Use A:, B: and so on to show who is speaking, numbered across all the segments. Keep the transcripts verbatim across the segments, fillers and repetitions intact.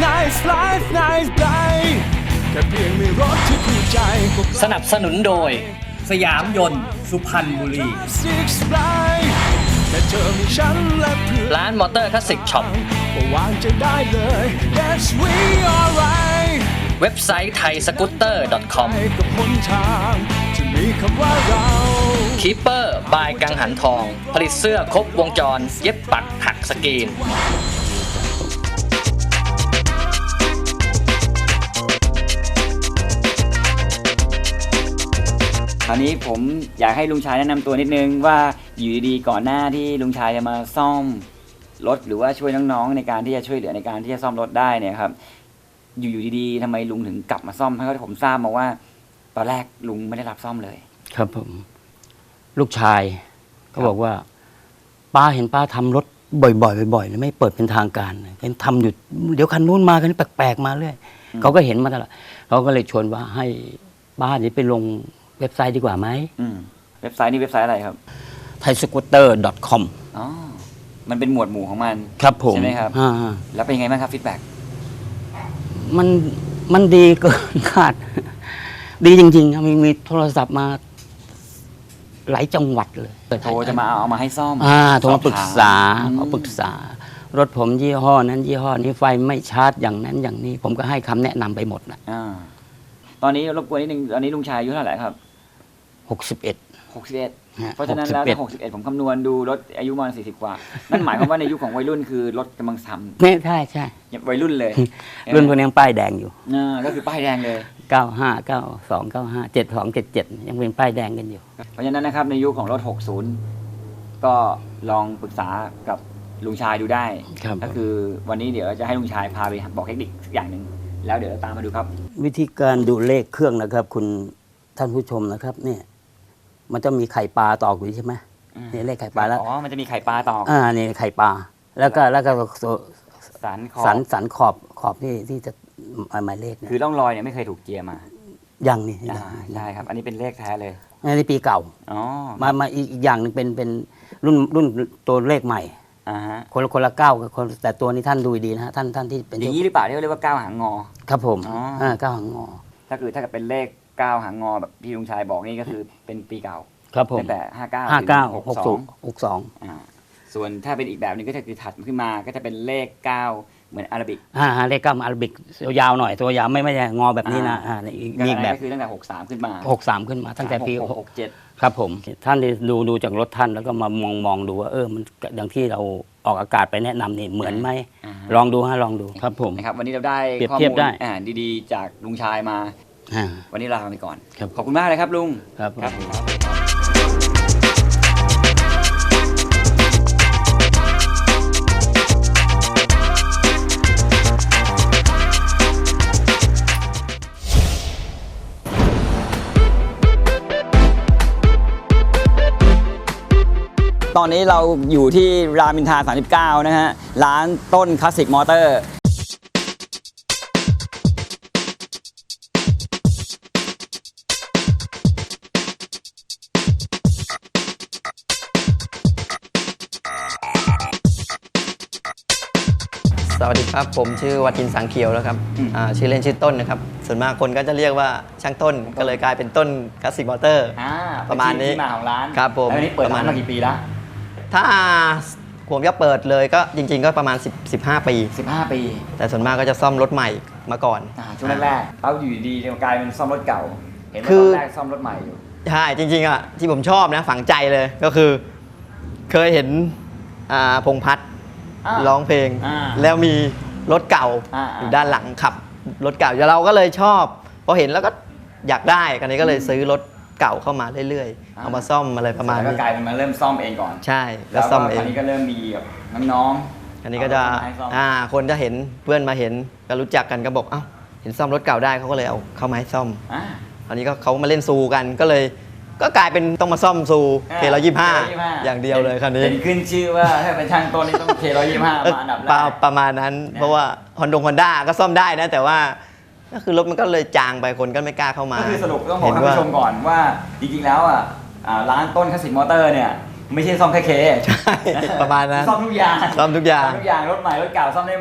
A: nice life nice day แค่เพียงมีรถที่คู่ใจ
B: สนับสนุนโดยสยามยนต์สุพรรณบุรีร้านมอเตอร์คลาสสิกช็อป
A: วางใจได้เลย Yes we alright
B: เว็บไซต์ไทยสกูตเตอร์ ดอท คอม คีเปอร์บายกังหันทองผลิตเสื้อครบวงจรเย็บปักถักสกรีน
C: คราวนี้ผมอยากให้ลุงชายแนะนำตัวนิดนึงว่าอยู่ดีๆก่อนหน้าที่ลุงชายจะมาซ่อมรถหรือว่าช่วยน้องๆในการที่จะช่วยเหลือในการที่จะซ่อมรถได้เนี่ยครับอยู่ๆดีๆทำไมลุงถึงกลับมาซ่อมเพราะผมทราบมาว่าตอนแรกลุงไม่ได้รับซ่อมเลย
D: ครับผมลูกชายก็บอกว่าป้าเห็นป้าทำรถบ่อยๆบ่อยๆเลยไม่เปิดเป็นทางการเห็นทำอยู่เดี๋ยวคันนู้นมาคันนี้แปลกๆมาเรื่อยเขาก็เห็นมาตลอดเขาก็เลยชวนว่าให้ป้านี่ไปลงเว็บไซต์ดีกว่าไหม
C: เว็บไซต์นี่เว็บไซต์อะไรครับ
D: ไทยสกูตเตอร์ ดอท คอม
C: อ๋อมันเป็นหมวดหมู่ของมัน
D: ครับผม
C: ใช่ไหมครับ
D: อ่า
C: แล้วเป็นไงบ้างครับฟีดแบ็ก
D: มันมันดีเกินคาดดีจริงๆมีมีโทรศัพท์มาหลายจังหวัดเลย
C: โทรจะมาเอามาให้ซ่อม
D: อ่าโทรมาปรึกษาเขาปรึกษารถผมยี่ห้อนั้นยี่ห้อนี้ไฟไม่ชาร์จอย่างนั้นอย่างนี้ผมก็ให้คำแนะนำไปหมดนะ
C: อ่าตอนนี้รบกวนนิดนึงตอนนี้ลุงชายอายุเท่าไหร่ครับ
D: หกสิบเอ็ด
C: หกสิบเอ็ดเพราะฉะนั้นแล้วถ้าหกสิบเอ็ดผมคำนวณดูรถอายุประมาณสี่สิบกว่านั่นหมายความว่าในยุคของวัยรุ่นคือรถกำลังซ้ำ
D: เนี่ยใช่ใช่
C: วัยรุ่นเลย
D: รุ่นพวกนี้ยังป้ายแดงอยู่
C: อ่าก็คือป้ายแดงเลย
D: เก้าห้าเก้าสองเก้าห้าเจ็ดสองเจ็ดเจ็ดยังเป็นป้ายแดงกันอยู่
C: เพราะฉะนั้นนะครับในยุคของรถหกสิบก็ลองปรึกษากับลุงชายดูได้ก็คือวันนี้เดี๋ยวจะให้ลุงชายพาไปบอกเทคนิคอย่างหนึ่งแล้วเดี๋ยวตามมาดูครับ
D: วิธีการดูเลขเครื่องนะครับคุณท่านผู้ชมนะครับเนี่ยมันจะมีไข่ปลาตอกอยู่ใช่ไหมนี่เลขไข่ปลาแล้ว
C: อ๋อมันจะมีไข่ปลาตอก
D: อ่านี่ไข่ปลาแล้วก็แล้วก็
C: สันขอบ
D: สันสันขอบขอบที่ที่จะหมายเลข
C: คือร่องรอยเนี่ยไม่เคยถูกเจียมา
D: ยังนี่
C: ใช่ครับอันนี้เป็นเลขแท้เลย
D: อันนี้ปีเก่า
C: อ๋อ
D: มามาอีกอย่างนึงเป็นเป็นรุ่นรุ่นตัวเลขใหม่
C: อ่าฮะ
D: คนละคนละเก้ากับคนแต่ตัวนี้ท่านดูดีนะฮะท่านท่านที่เป็น
C: อย่างนี้หรือเปล่าที่เรียกว่าเก้าหางงอ
D: ครับผมอ่าเก้าหางงอ
C: ถ้าคือถ้าเกิดเป็นเลขเก้าหางงอแบบพี่ลุงชายบอกนี่ก็คือเป็นปีเก่า
D: ครับผม
C: ตั้งแต่ห้าเก้า
D: ห้าเก้าหกสองหกสอง
C: อ่าส่วนถ้าเป็นอีกแบบนึงก็จะคือถัดขึ้นมาก็จะเป็นเลขเก้าเหมือนอาราบิก
D: อ่าเลขเก้าอาราบิกยาวหน่อยตัวยาวไม่ไม่ใช่งอแบบนี้นะอ่า
C: อีกแบบก็คือตั้งแต่หกสามขึ้นมา
D: หกสามขึ้นมาตั้งแต่ปี
C: หกเจ็ด
D: ครับผมท่านดูดูจากรถท่านแล้วก็มามองมองดูว่าเออมันอย่างที่เราออกอากาศไปแนะนำนี่เหมือนไหมลองดูฮะลองดูครับผม
C: นะครับวันนี้เราได้ข้อมูลอ่าดีๆจากลุงชายมาวันนี้ลาไปก่อนขอบคุณมากเลยครับลุง
D: ครับครับ
C: ตอนนี้เราอยู่ที่รามอินทราสามสิบเก้านะฮะร้านต้นคลาสสิกมอเตอร์
E: สวัสดีครับผมชื่อวัทินสังเขียวแล้วครับชื่อเล่นชื่อต้นนะครับส่วนมากคนก็จะเรียกว่าช่างต้นก็เลยกลายเป็นต้นคลาสสิกมอเตอร์ประมาณนี้
C: ที่มาของร้าน
E: ครับผม
C: อันนี้เปิดมากี่ปีแล้ว
E: ถ้าผมจะเปิดเลยก็จริงๆก็ประมาณสิบ สิบห้าปี
C: สิบห้าปี
E: แต่ส่วนมากก็จะซ่อมรถใหม่มาก่อน
C: ช่วงแรกๆเอาอยู่ดีๆกลายเป็นซ่อมรถเก่าเห็นว่าตอนแรกซ่อมรถใหม่อยู่
E: ใช่จริงๆอ่ะที่ผมชอบนะฝังใจเลยก็คือเคยเห็นพงษ์พัฒน์ร้องเพลงแล้วมีรถเก่าอยู่ด้านหลังขับรถเก่าเราก็เลยชอบพอเห็นแล้วก็อยากได้กันนี้ก็เลยซื้อรถเก่าเข้ามาเรื่อยๆเอามาซ่อมอะไรประมาณนี้
C: ก็กลายเป็นมาเริ่มซ่อมเองก่อน
E: ใช่แล้วซ่อมเอง
C: อันนี้ก็เริ่มมีแบบน้อง
E: ๆอันนี้ก็จะอ่าคนจะเห็นเพื่อนมาเห็นก็รู้จักกันก็บอกเอ้าเห็นซ่อมรถเก่าได้เขาก็เลยเอาเข้ามาให้ซ่อมอันนี้ก็เขามาเล่นซูกันก็เลยก็กลายเป็นต้องมาซ่อมซูเคร้อยยี่สิบห้าอย่างเดียวเลยคันนี้
C: เป็นขึ้นชื่อว่าถ้าเป็นช่างต้นนี่ต้องเคร้อยยี่สิบห้ามาอันดับแรก
E: ประมาณนั้นเพราะว่าฮอนดงฮอนด้าก็ซ่อมได้นะแต่ว่าก็คือรถมันก็เลยจางไปคนก็ไม่กล้าเข้ามา
C: ก็คือสรุปต้องบอกท่านผู้ชมก่อนว่าจริงๆแล้วอ่ะร้านต้นคลาสสิกมอเตอร์เนี่ยไม่ใช่ซ่อมแค่เค
E: ใช่ประมาณนั้น
C: ซ่อมทุกอย่าง
E: ซ่อมทุกอย่าง
C: ทุกอย่างรถใหม่รถเก่าซ่อมได้หมด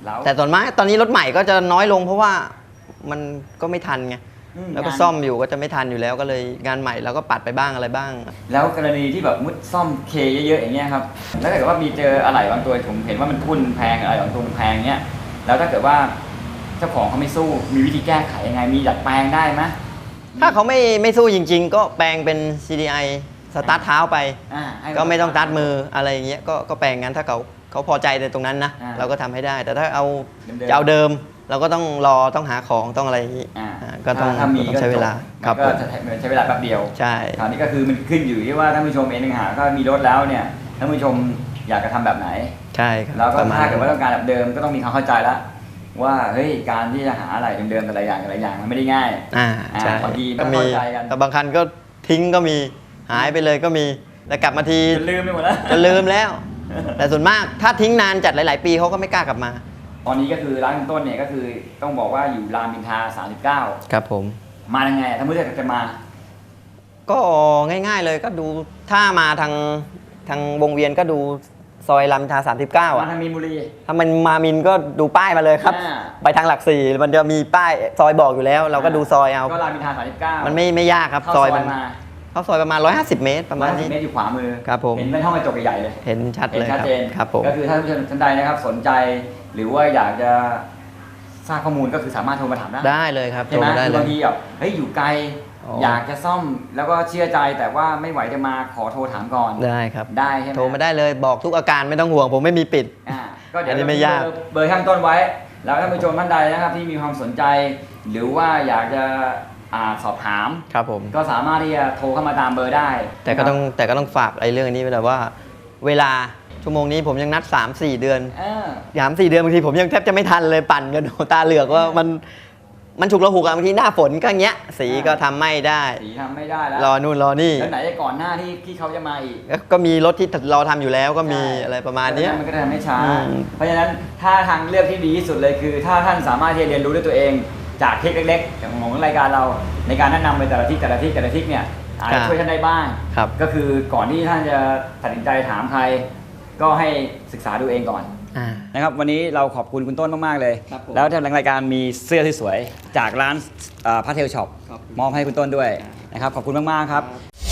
C: แล้ว
E: แต่ส่วนมากตอนนี้รถใหม่ก็จะน้อยลงเพราะว่ามันก็ไม่ทันไง
C: อืม
E: แล้วก็
C: งาน
E: ซ่อมอยู่ก็จะไม่ทันอยู่แล้วก็เลยงานใหม่เราก็ปัดไปบ้างอะไรบ้าง
C: แล้วกรณีที่แบบมุดซ่อมเคเยอะๆอย่างเงี้ยครับแล้วถ้าเกิดว่ามีเจออะไหล่บางตัวผมเห็นว่ามันทุ่นแพงอะไรบางตัวมันแพงเงี้ยแล้วถ้าเกิดว่าเจ้าของเขาไม่สู้มีวิธีแก้ไขยังไงมีดัดแปลงได้ไหม
E: ถ้าเขาไม่ไม่สู้จริง ๆ ก็แปลงเป็น ซี ดี ไอ สตาร์ทเท้าไป
C: อ่าให้
E: ก็ไม่ต้องตัดมืออะไรอย่างเงี้ยก็ก็แปลงงั้นถ้าเขาเขาพอใจในตรงนั้นนะ
C: อ่า
E: เราก็ทำให้ได้ แต่ถ้าเอา
C: เดิมๆ
E: จะเอาเดิม เราก็ต้องรอต้องหาของต้องอะไรอย่างงี้
C: อ่า
E: อ่าก็ต้อง
C: ถ้ามี
E: ต้องใช้เวลา
C: ก็
E: ครับ
C: ก็
E: ผม
C: จะใช้เวลาแป๊บเดียว
E: ใช่
C: คราวนี้ก็คือมันขึ้นอยู่ที่ว่าท่านผู้ชมเองต่างหากก็มีรถแล้วเนี่ยท่านผู้ชมอยากจะทำแบบไหน
E: ใช่ครับ
C: แล้วก็
E: ประมาณ
C: ถ้าเกิดว่าต้องการแบบเดิมก็ต้องมีความเข้าใจแล้วว่าเฮ้ยการที่จะหาอะไรเดิมๆแต่ละอย่างแต่ละอย่างมันไม่ได้ง่าย
E: อ่า
C: อ่า
E: ใช่
C: บางทีไม่
E: ก็มี
C: เข้าใจกัน
E: แต่บางคันก็ทิ้งก็มีหายไปเลยก็มีแล้วกลับมาที
C: จนลืมไปหมดแล้ว
E: จะลืมแล้ว แต่ส่วนมากถ้าทิ้งนานจัดหลาย ๆ ปีเขาก็ไม่กล้ากลับมา
C: ตอนนี้ก็คือร้านคุณต้นเนี่ยก็คือต้องบอกว่าอยู่รามอินทราสามสิบเก้า
E: ครับผม
C: มายังไงถ้าเมื่อจะมา
E: ก็ง่ายๆเลยก็ดูถ้ามาทางทางวงเวียนก็ดูซอยรามอินทราสามสิบเก้า
C: มา
E: อ่ะ
C: ทางมีนบุรี
E: ถ้ามันมามินก็ดูป้ายมาเลยครับ
C: อ่า
E: ไปทางหลักสี่มันจะมีป้ายซอยบอกอยู่แล้ว เราก็ดูซอยเอา
C: ก็รามอินทราสามสิบเก้า
E: มั
C: มัน
E: ไม่ไม่ยากครับ
C: เข้า
E: ซ
C: ซ
E: อ
C: อย ย
E: มัน
C: มา
E: เข้าซอยประมาณหนึ่งร้อยห้าสิบเมตรประ
C: ร้
E: มา
C: อ
E: ณ
C: ยสิ
E: นี้
C: บเมตรอยู่ขวามือ
E: ครับผม
C: เห็นเป็นห้องกระจกใหญ่ๆเลย
E: เห็นชัด
C: เห็
E: เล
C: น
E: ย
C: ชัด
E: ครับ
C: เจน
E: ครับผม
C: ก็คือถ้าท่านผู้ชมท่านใดนะครับสนใจ หรือว่าอยากจะทราบข้อมูลก็คือสามารถโทรมาถามได้
E: ได้เลยครับ
C: ใช่ไหม
E: โทรได้
C: คือ
E: เล
C: บาง
E: ย
C: ทีแบบเฮ้ยอยู่ไกล
E: อ๋อ
C: อยากจะซ่อมแล้วก็เชื่อใจแต่ว่าไม่ไหวจะมาขอโทรถามก่อน
E: ได้ครับ
C: ได้ใช่ไหม
E: โทรมาได้เลยบอกทุกอาการไม่ต้องห่วงผมไม่มีปิด
C: อ่าก็เดี๋ยว
E: อันนี้
C: เรา
E: ไม่
C: ทิ้ง
E: ยาก
C: เบอร์เบอร์ข้างต้นไว้ แล้วท่านผู้ชมท่านใดนะครับที่มีความสนใจ หรือว่าอยากจะอ่าสอบถาม
E: ครับผม
C: ก็สามารถที่จะโทรเข้ามาตามเบอร์ได้
E: แต่ก็ต้องแต่ก็ต้องฝากไอ้เรื่องนี้ไว้แต่ว่า เวลาชั่วโมงนี้ผมยังนัด สามสี่ เดือน
C: เออ
E: สามสี่เดือนบางทีผมยังแทบจะไม่ทันเลยปั่นกันโหตาเหลือกว่ามันมันฉุกระหุกอะบางทีหน้าฝนก็อย่างเงี้ยสีก็ทำไม่ได้
C: สีทำไม่ได้แล้ว
E: รอนู่นรอนี่
C: แล้วไหนจะก่อนหน้าที่ที่เขาจะมาอีก
E: ก็มีรถที่รอทำอยู่แล้วก็มี
C: ใช่
E: อะไรประมาณเนี้ย
C: มันก็จะทำให้ช้า
E: อืม
C: เพราะฉะนั้นถ้าทางเลือกที่ดีที่สุดเลยคือ ถ้าท่านสามารถที่จะเรียนรู้ด้วยตัวเองจากทริคเล็กๆอย่างของรายการเราในการแนะนำไปแต่ละทริคแต่ละทริคแต่ละทริคเนี่ยอาจจะช่วยท่านได้บ้าง
E: ครับ
C: ก็คือก่อนที่ท่านจะตัดสินใจถามใคร ก็ให้ศึกษาดูเองก่อน
E: อ่า
C: นะครับวันนี้เราขอบคุณคุณต้นมากๆเลย
E: ครับผม
C: แล้วทางรายการมีเสื้อที่สวยจากร้านพาเทลช็อป
E: ขอบคุณ
C: มอบให้คุณต้นด้วยนะครับขอบคุณมากๆครับ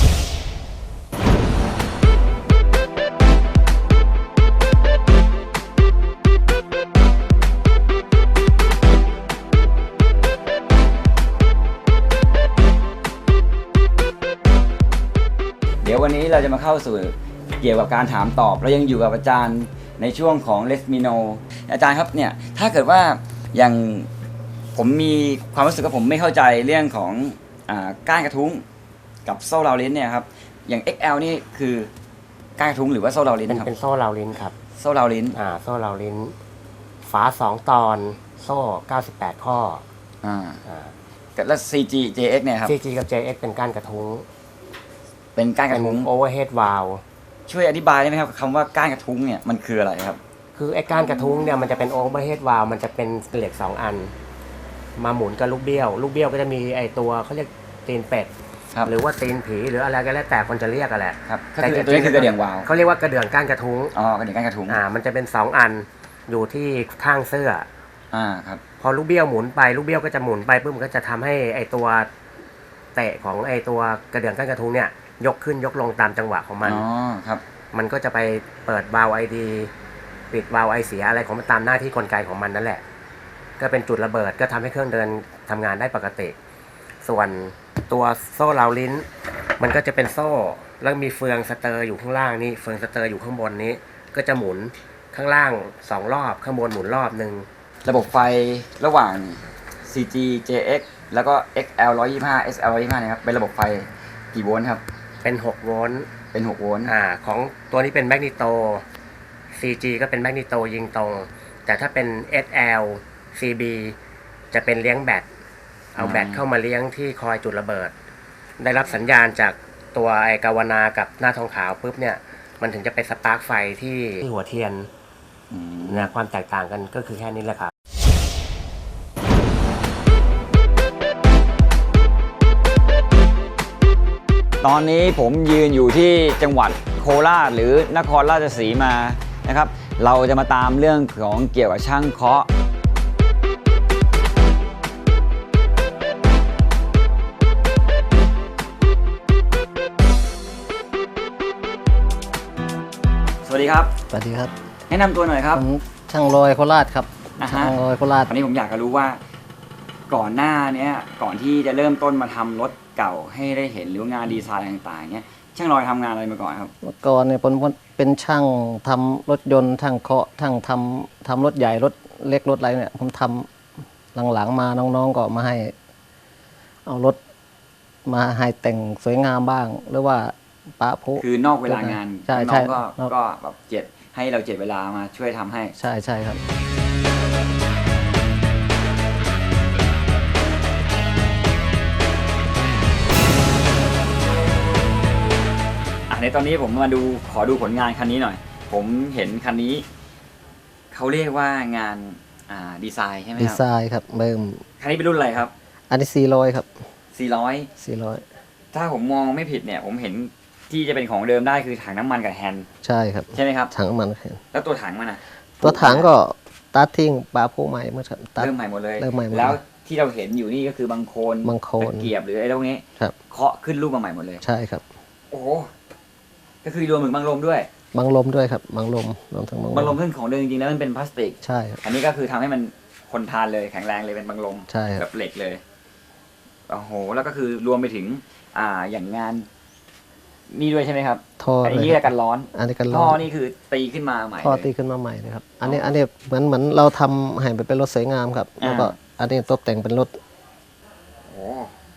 C: เดี๋ยววันนี้เราจะมาเข้าสู่เกี่ยวกับการถามตอบเรายังอยู่กับอาจารย์ในช่วงของ Let Me Know อาจารย์ครับเนี่ยถ้าเกิดว่าอย่างผมมีความรู้สึกว่าผมไม่เข้าใจเรื่องของอ่าก้านกระทุ้งกับโซ่ราวลิ้นเนี่ยครับอย่าง เอ็กซ์ แอล นี่คือก้านกระทุ้งหรือว่าโซ่ราวลิ้น
F: เป็น
C: นะครับ
F: เป็นโซ่ราวลิ้นครับ
C: โซ่ราวลิ้น
F: อ่า โซ่ราวลิ้น ฝาสองตอน โซ่ เก้าสิบแปด ข้อ
C: อ่า
F: อ่า
C: แล้ว ซี จี เจ เอ็กซ์ เนี่ยครับ
F: ซี จี กับ เจ เอ็กซ์ เป็นก้านกระทุ้ง
C: เป็นก้านก
F: เป็
C: ระ
F: น
C: ทุ้ง
F: โอเวอร์เฮดวาล
C: ช่วยอธิบายได้ไหมครับคำว่าก้านกระทุ้งเนี่ยมันคืออะไรครับ
F: คือไอ้ก้านกระทุ้งเนี่ยมันจะเป็นโอเวอร์เฮดวาลมันจะเป็นเหล็กสองอัน มาหมุนกับลูกเบี้ยว ลูกเบี้ยวก็จะมีไอ้ตัวเขาเรียกตีนเป็ด
C: ครับ
F: หรือว่าตีนผีหรืออะไรก็แล้วแต่คนจะเรียกกันแหละ
C: ครับก็คือตัวนี้คือกระเดื่องวาล์ว
F: เขาเรียกว่ากระเดื่องก้านกระทุ้ง
C: อ๋อกระเดื่องก้านกระทุ้ง
F: อ่า มันจะเป็นสองอันอยู่ที่ข้างเสื้อ
C: อ่าครับ
F: พอลูกเบี้ยวหมุนไปลูกเบี้ยวก็จะหมุนไปปุ๊บมันก็จะทำให้ไอตัวเตะของไอตัวกระเดื่องก้านกระทุ้งเนี่ยยกขึ้นยกลงตามจังหวะของมัน
C: อ๋อครับ
F: มันก็จะไปเปิดวาล์วไอดีปิดวาล์วไอเสียอะไรของมันตามหน้าที่กลไกของมันนั่นแหละ ก็เป็นจุดระเบิดก็ทำให้เครื่องเดินทำงานได้ปกติ ส่วนตัวโซ่ราวลิ้น มันก็จะเป็นโซ่แล้วมีเฟืองสเตอร์อยู่ข้างล่างนี่เฟืองสเตอร์อยู่ข้างบนนี้ ก็จะหมุนข้างล่างสองรอบข้างบนหมุนรอบหนึ่ง
C: ระบบไฟระหว่าง ซี จี เจ เอ็กซ์ แล้วก็ เอ็กซ์ แอล หนึ่งร้อยยี่สิบห้า เอส แอล หนึ่งร้อยยี่สิบห้านะครับเป็นระบบไฟกี่โวลต์ครับ
F: เป็นหกโวลต์
C: เป็นหกโวลต์
F: อ่าของตัวนี้เป็นแมกนิโต ซี จี ก็เป็นแมกนิโตยิงตรง แต่ถ้าเป็น เอส แอล ซี บี จะเป็นเลี้ยงแบต เอาแบตเข้ามาเลี้ยงที่คอยจุดระเบิด ได้รับสัญญาณจากตัวไอกาวนากับหน้าทองขาวปุ๊บเนี่ย มันถึงจะไปสปาร์คไฟที่ที่หัวเทียน
C: อืม
F: นะความแตกต่างกันก็คือแค่นี้แหละครับ
C: ตอนนี้ผมยืนอยู่ที่จังหวัดโคราชหรือนครราชสีมานะครับ เราจะมาตามเรื่องของเกี่ยวกับช่างเคาะวัสดีครับ
G: สวัสดีครับ
C: แนะนำตัวหน่อยครับ
G: ผมช่างลอยโคราชครับ
C: นะฮะ
G: ช่างลอยโคราช
C: วันนี้ผมอยากจะรู้ว่าก่อนหน้าเนี้ยก่อนที่จะเริ่มต้นมาทำรถเก่าให้ได้เห็นหรืองานดีไซน์ต่างๆเนี้ยช่างลอยทำงานอะไรมาก่อนครับ
G: เมื่อก่อนเนี่ยผมเป็นช่างทำรถยนต์ช่างเคาะช่างทำทำรถใหญ่รถเล็กรถอะไรเนี่ยผมทำหลังๆมาน้องๆก็มาให้ เอารถมาให้แต่งสวยงามบ้าง หรือว่าปะพุ
C: คือนอกเวลางาน
G: ใช่
C: น้
G: ใช่
C: องๆก็
G: นอก
C: ก็แบบเจ็ดให้เราเจ็ดเวลามาช่วยทำให้
G: ใช่ใช่ครับ
C: อ่ะในตอนนี้ผมมาดูขอดูผลงานคันนี้หน่อย ผมเห็นคันนี้เขาเรียกว่างานอ่าดีไซน์ใช่ไหม
G: ดี
C: ครับ
G: ไซน์ครับเบิ่ม
C: คันนี้เป็นรุ่นอะไรครับ
G: อันนี้สี่ร้อยครับ
C: สี่ร้อย
G: สี่ร้อย
C: ถ้าผมมองไม่ผิดเนี่ย ผมเห็นที่จะเป็นของเดิมได้คือถังน้ำมันกับแฮนด์
G: ใช่ครับ
C: ใช่ไหมครับ
G: ถังน้ำมันแค่
C: แล้วตัวถังมันอ่ะ
G: ตัวถังก็ตัดทิ้งปะพุใหม่เมื่อครับตัด
C: เริ่มใหม่หมดเลย
G: เริ่มใหม่หมด
C: แล้วที่เราเห็นอยู่นี่ก็คือบางโคลน
G: บางโคลน
C: ตะเกียบหรืออะไรพวกนี้
G: ครับ
C: เคาะขึ้นรูปมาใหม่หมดเลย
G: ใช่ครับ
C: โอ้โหก็คือรวมถึงบางลมด้วย
G: บังลมด้วยครับบังลมรวมทั้งบัง
C: บางล
G: ล
C: ม
G: ม
C: ซึ่งของเดิมจริงๆแล้วมันเป็นพลาสติก
G: ใช่ครับ
C: อันนี้ก็คือทำให้มันทนทานเลยแข็งแรงเลยเป็นบางลม
G: ใช่ครับ
C: แบบเหล็กเลยโอ้โหแล้วก็คือรวมไปถึง อ่าอย่างงานนี่ด้วยใช่ไหมครับ
G: ท่อ
C: อัน
G: เลย
C: นี้กันร้อน
G: อันนี้กัน
C: ท่
G: ร้
C: อ
G: อน
C: นี่คือตีขึ้นมาใหม่
G: ท่อ
C: เลย
G: ตีขึ้นมาใหม่เลยครับ อันนี้อันนี้เหมือนเหมือนเราทำให้ไปเป็นรถสวยงามครับ แล้วก็
C: อ่า
G: อันนี้ตกแต่งเป็นรถ
C: โอ้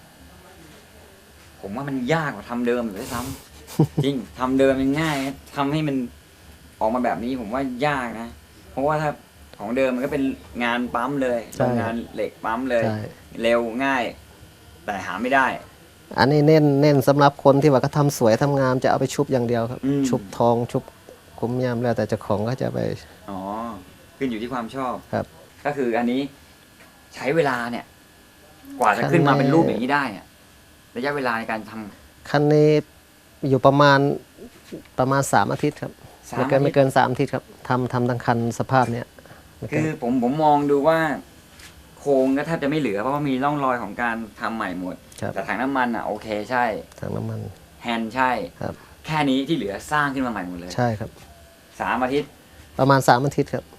C: ผมว่ามันยากกว่าทำเดิมเลยซ้ำ จริงทำเดิมมันง่ายนะทำให้มันออกมาแบบนี้ผมว่ายากนะ เพราะว่าถ้าของเดิมมันก็เป็นงานปั๊มเลย
G: ใช่
C: โรงงานเหล็กปั๊มเลย
G: ใช่
C: เร็วง่าย แต่หาไม่ได้
G: อันนี้เน้นเน้นสำหรับคนที่ว่าก็ทำสวยทำงามจะเอาไปชุบอย่างเดียวครับ
C: อืม
G: ชุบทองชุบคุ้มยามแล้วแต่เจ้าของก็จะไป
C: อ๋อขึ้นอยู่ที่ความชอบ
G: ครับ
C: ก็คืออันนี้ใช้เวลาเนี่ย กว่าจะขึ้นมาเป็นรูปอย่างนี้ได้อะระยะเวลาในการทำ
G: คันนี้อยู่ประมาณประมาณสามอาทิตย์ครับ
C: สาม
G: ไม่เกิน
C: อาทิตย์
G: ไม่เกินสามอาทิตย์ครับทำทำทั้งคันสภาพเนี้ยไม่เกิ
C: คื
G: น
C: อผมผมมองดูว่า โครงก็แทบจะไม่เหลือเพราะว่ามีร่องรอยของการทำใหม่หมด
G: ครับ
C: แต่ถังน้ำมันอ่ะโอเคใช่
G: ถังน้ำมัน
C: แฮนด์ใช่
G: ครับ
C: แค่นี้ที่เหลือสร้างขึ้นมาใหม่หมดเลย
G: ใช่ครับ
C: สามอาทิตย์
G: ประมาณสามอาทิตย์ครับ